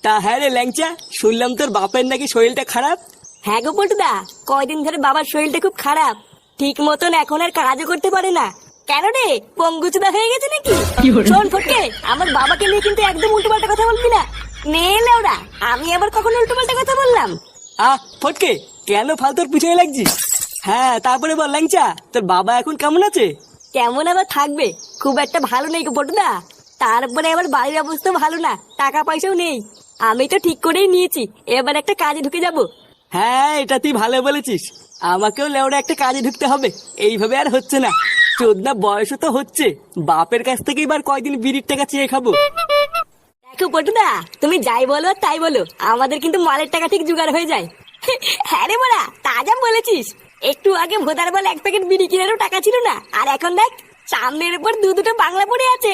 তা হ্যাঁ রে ল্যাংচা, শুনলাম তোর বাপের নাকি শরীরটা খারাপ। হ্যাঁ গো পল্টুদা, কয়দিন ধরে বাবার শরীরটা খুব খারাপ, ঠিক মতন এখন আর কাজও করতে পারে না। কেন রে, পঙ্গুচুদা হয়ে গেছে নাকি? শোন ফটকে, আমার বাবাকে নিয়ে কিন্তু একদম উল্টোপাল্টা কথা বলবি না। নেলে ওরা, আমি আবার কখন উল্টোপাল্টা কথা বললাম? ফটকে, কেন ফালতুর পিছনে লাগছিস? হ্যাঁ তারপরে বল ল্যাংচা, তোর বাবা এখন কেমন আছে? কেমন আবার থাকবে, খুব একটা ভালো নেই গো পল্টুদা। তারপরে আবার বাড়ির অবস্থা ভালো না, টাকা পয়সাও নেই। আমি তো ঠিক করেই নিয়েছি, এবার একটা কাজে ঢুকে যাব। হ্যাঁ এটা তুই ভালো বলেছিস, আমাকেও লেওড়া একটা কাজে ঢুকতে হবে, এইভাবে আর হচ্ছে না। চোদ্দা বয়সও তো হচ্ছে, বাপের কাছ থেকে এবার কয়দিন বিড়ির টাকা চেয়ে খাবো। দেখো পটুদা, তুমি যাই বলো তাই বলো, আমাদের কিন্তু মালের টাকা ঠিক জোগাড় হয়ে যায়। হ্যাঁ রে বড়া, তা যা বলেছিস। একটু আগে ভোদার বল এক প্যাকেট বিড়ি কেনারও টাকা ছিল না, আর এখন দেখ সামনের উপর দুটো বাংলা পড়ে আছে।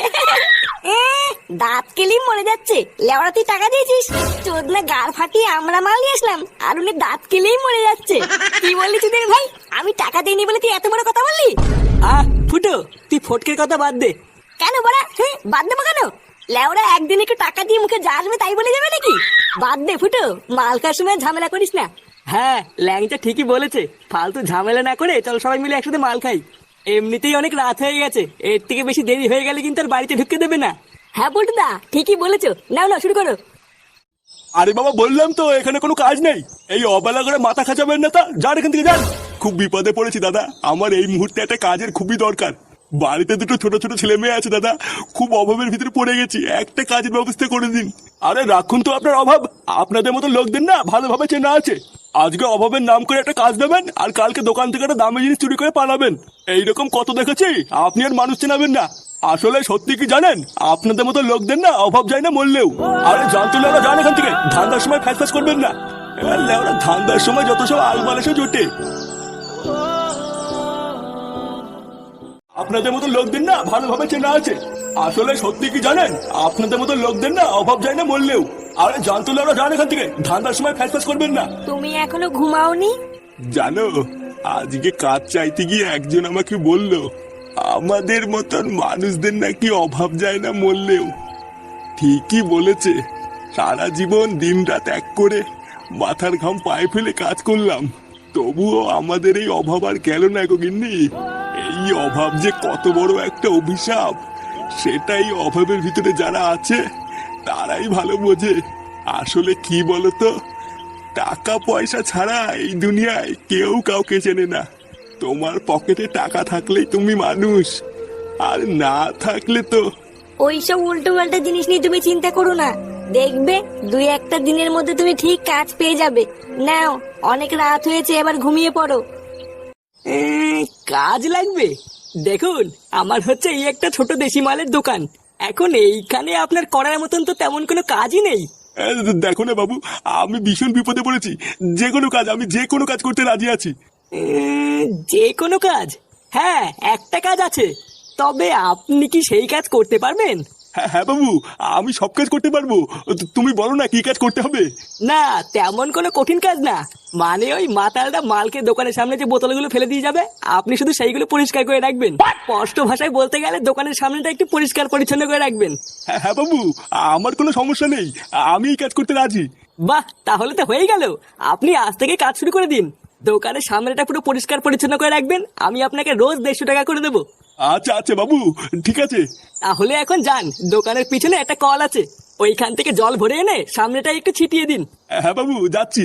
দাঁত কেলি মরে যাচ্ছে, লেওড়া তুই টাকা দিয়েছিস, চোদনা গাড় ফাটিয়ে আমরা মাল নিয়ে আসলাম, আর উনি দাঁত কেলেই মরে যাচ্ছে। কি বললি তুই ভাই, আমি টাকা দিইনি বলে তুই এত বড় কথা বললি? ফুটো, তুই ফটকের কথা বাদ দে। কেন বড়া, বাদ দেবো কেন? লেওরা একদিন একটু টাকা দিয়ে মুখে যা আসবে তাই বলে যাবে নাকি? বাদ দে ফুটো, মাল খাওয়ার সময় ঝামেলা করিস না। হ্যাঁ ল্যাংচা ঠিকই বলেছে, ফালতু ঝামেলা না করে চল সবাই মিলে একসাথে মাল খাই। এমনিতেই অনেক রাত হয়ে গেছে, এর থেকে বেশি দেরি হয়ে গেলে কিন্তু আর বাড়িতে ঢুকতে দেবে না। হ্যাঁ পল্টুদা, ঠিকই বলেছো, নাও না শুরু করো। আরে বাবা, বললাম তো এখানে কোনো কাজ নেই, এই অবেলা করে মাথা খাঁচাবেন না, তা যান এখান থেকে যান। খুব বিপদে পড়েছি দাদা, আমার এই মুহূর্তে একটা কাজের খুবই দরকার। বাড়িতে দুটো ছোট ছোট ছেলে মেয়ে আছে দাদা, খুব অভাবের ভিতরে পড়ে গেছি, একটা কাজের ব্যবস্থা করে দিন। আরে রাখুন তো আপনার অভাব, আপনাদের মতো লোকদের না ভালোভাবে চেনা আছে। আজকে অভাবের নাম করে একটা কাজ দেবেন, আর কালকে দোকান থেকে একটা দামি জিনিস চুরি করে পালাবেন। এইরকম কত দেখেছি, আপনি আর মানুষ চেনাবেন না। আসলে সত্যি কি জানেন, আপনাদের মতো লোকদের না অভাব যায় না মরলেও। আরে জানতো না, যান এখান থেকে, ধান্দার সময় ফ্যাস করবেন না। ওরা ধান্দার সময় যত সব আলমাল এসে জোটে। আপনাদের মতো লোকদের না ভালোভাবে চেনা আছে। আসলে সত্যি কি জানেন, আপনাদের মতো লোকদের না অভাব যায় না মরলেও। আরে জানতো না, যান এখান থেকে, ধান্দার সময় ফ্যাস করবেন না। তুমি এখনো ঘুমাওনি? জানো, আজকে কাজ চাইতে গিয়ে একজন আমাকে বলল, আমাদের মতন মানুষদের নাকি অভাব যায় না মরলেও। ঠিকই বলেছে, সারা জীবন দিন রাত এক করে মাথার ঘাম পায়ে ফেলে কাজ করলাম, তবুও আমাদের এই অভাব আর গেল না গো গিন্নি। এই অভাব যে কত বড় একটা অভিশাপ, সেটাই অভাবের ভিতরে যারা আছে তারাই ভালো বোঝে। আসলে কি বলতো, টাকা পয়সা ছাড়া এই দুনিয়ায় কেউ কাউকে চেনে না। তোমার পকেটে টাকা থাকলেই তুমি মানুষ, আর না থাকলে তো। ওইসব উল্টো পাল্টা জিনিস নিয়ে তুমি চিন্তা করো না, দেখবে দুই একটা দিনের মধ্যে তুমি ঠিক কাজ পেয়ে যাবে। নাও, অনেক রাত হয়েছে, এবার ঘুমিয়ে পড়ো। কাজ লাগবে? দেখুন, আমার হচ্ছে এই একটা ছোট দেশি মালের দোকান, এখন এইখানে আপনার করার মতন তো তেমন কোনো কাজই নেই। দেখো না বাবু, আমি ভীষণ বিপদে পড়েছি, যে কোনো কাজ, আমি যে কোনো কাজ করতে রাজি আছি। যে কোনো কাজ? হ্যাঁ একটা কাজ আছে, তবে আপনি কি সেই কাজ করতে পারবেন? হ্যাঁ হ্যাঁ বাবু, আমি সব কাজ করতে পারবো, তুমি বলো না কি কাজ করতে হবে। না তেমন কোনো কঠিন কাজ না, মানে ওই মাতালটা মালকে দোকানের সামনে যে বোতলগুলো ফেলে দিয়ে যাবে, আপনি শুধু সেইগুলো পরিষ্কার করে রাখবেন। স্পষ্ট ভাষায় বলতে গেলে দোকানের সামনেটা একটু পরিষ্কার পরিচ্ছন্ন করে রাখবেন। হ্যাঁ হ্যাঁ বাবু, আমার কোনো সমস্যা নেই, আমি এই কাজ করতে রাজি। বাহ, তাহলে তো হয়েই গেল, আপনি আজ থেকে কাজ শুরু করে দিন। দোকানের সামনেটা পুরো পরিষ্কার পরিচ্ছন্ন করে রাখবেন, আমি আপনাকে রোজ 150 টাকা করে দেবো। আচ্ছা আচ্ছা বাবু, ঠিক আছে। তাহলে এখন যান, দোকানের পিছনে একটা কল আছে, ওইখান থেকে জল ভরে এনে সামনেটা একটু ছিটিয়ে দিন। হ্যাঁ বাবু, যাচ্ছি।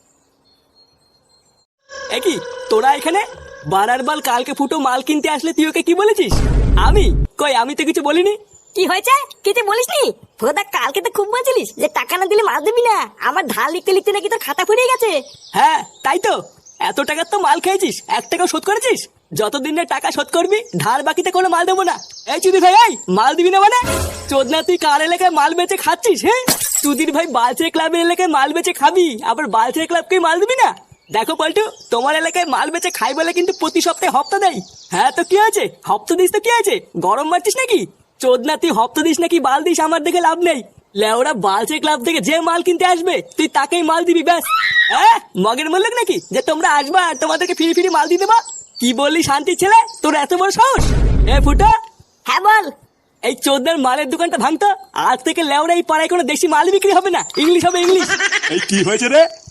একই তোরা এখানে বারার বাল, কালকে ফুটো মাল কিনতে আসলে তুই ওকে কি বলেছিস? আমি কই, আমি তো কিছু বলিনি। কি হয়েছে, কিছু বলিসনি? ভোদা, কালকে তো খুব বলছিলিস যে টাকা না দিলে মাল দিবি না, আমার ধার লিখতে লিখতে নাকি তোর খাতা ফুরিয়ে গেছে। হ্যাঁ তাই তো, এত টাকার তো মাল খেয়েছিস, 1 টাকাও শোধ করেছিস? যতদিন না টাকা শোধ করবি, ধার বাকিতে কোনো মাল দেবো না। এই চুদির ভাই, এই মাল দিবি না মানে? চোদনা, তুই কার এলাকায় মাল বেচে খাচ্ছিস? হ্যাঁ, চুদির ভাই বালচের ক্লাবের এলাকায় মাল বেচে খাবি, আবার বালচের ক্লাবকে মাল দিবি না? দেখো পল্টু, তোমার এলাকায় মাল বেচে খাই বলে কিন্তু প্রতি সপ্তাহে হপ্তা দেয়। হ্যাঁ তো কি হয়েছে, হপ্তা দিস তো কি হয়েছে, গরম মারছিস নাকি? চোদনা, তুই হপ্তা দিস নাকি বাল দিস আমার দেখে লাভ নেই। লেওরা বালচের ক্লাব থেকে যে মাল কিনতে আসবে তুই তাকেই মাল দিবি, ব্যাস। হ্যাঁ, মগের মূল্য নাকি যে তোমরা আসবা আর তোমাদেরকে ফিরি ফিরি মাল দিয়ে দেবা? কি বললি শান্তির ছেলে, তোর এত বড় সাহস? এ ফুটা। হ্যাঁ বল। এই চোদনার মালের দোকানটা ভাঙতো, আজ থেকে লেওরা এই পাড়ায় কোনো দেশি মাল বিক্রি হবে না, ইংলিশ হবে ইংলিশ। এই কি হয়েছে রে?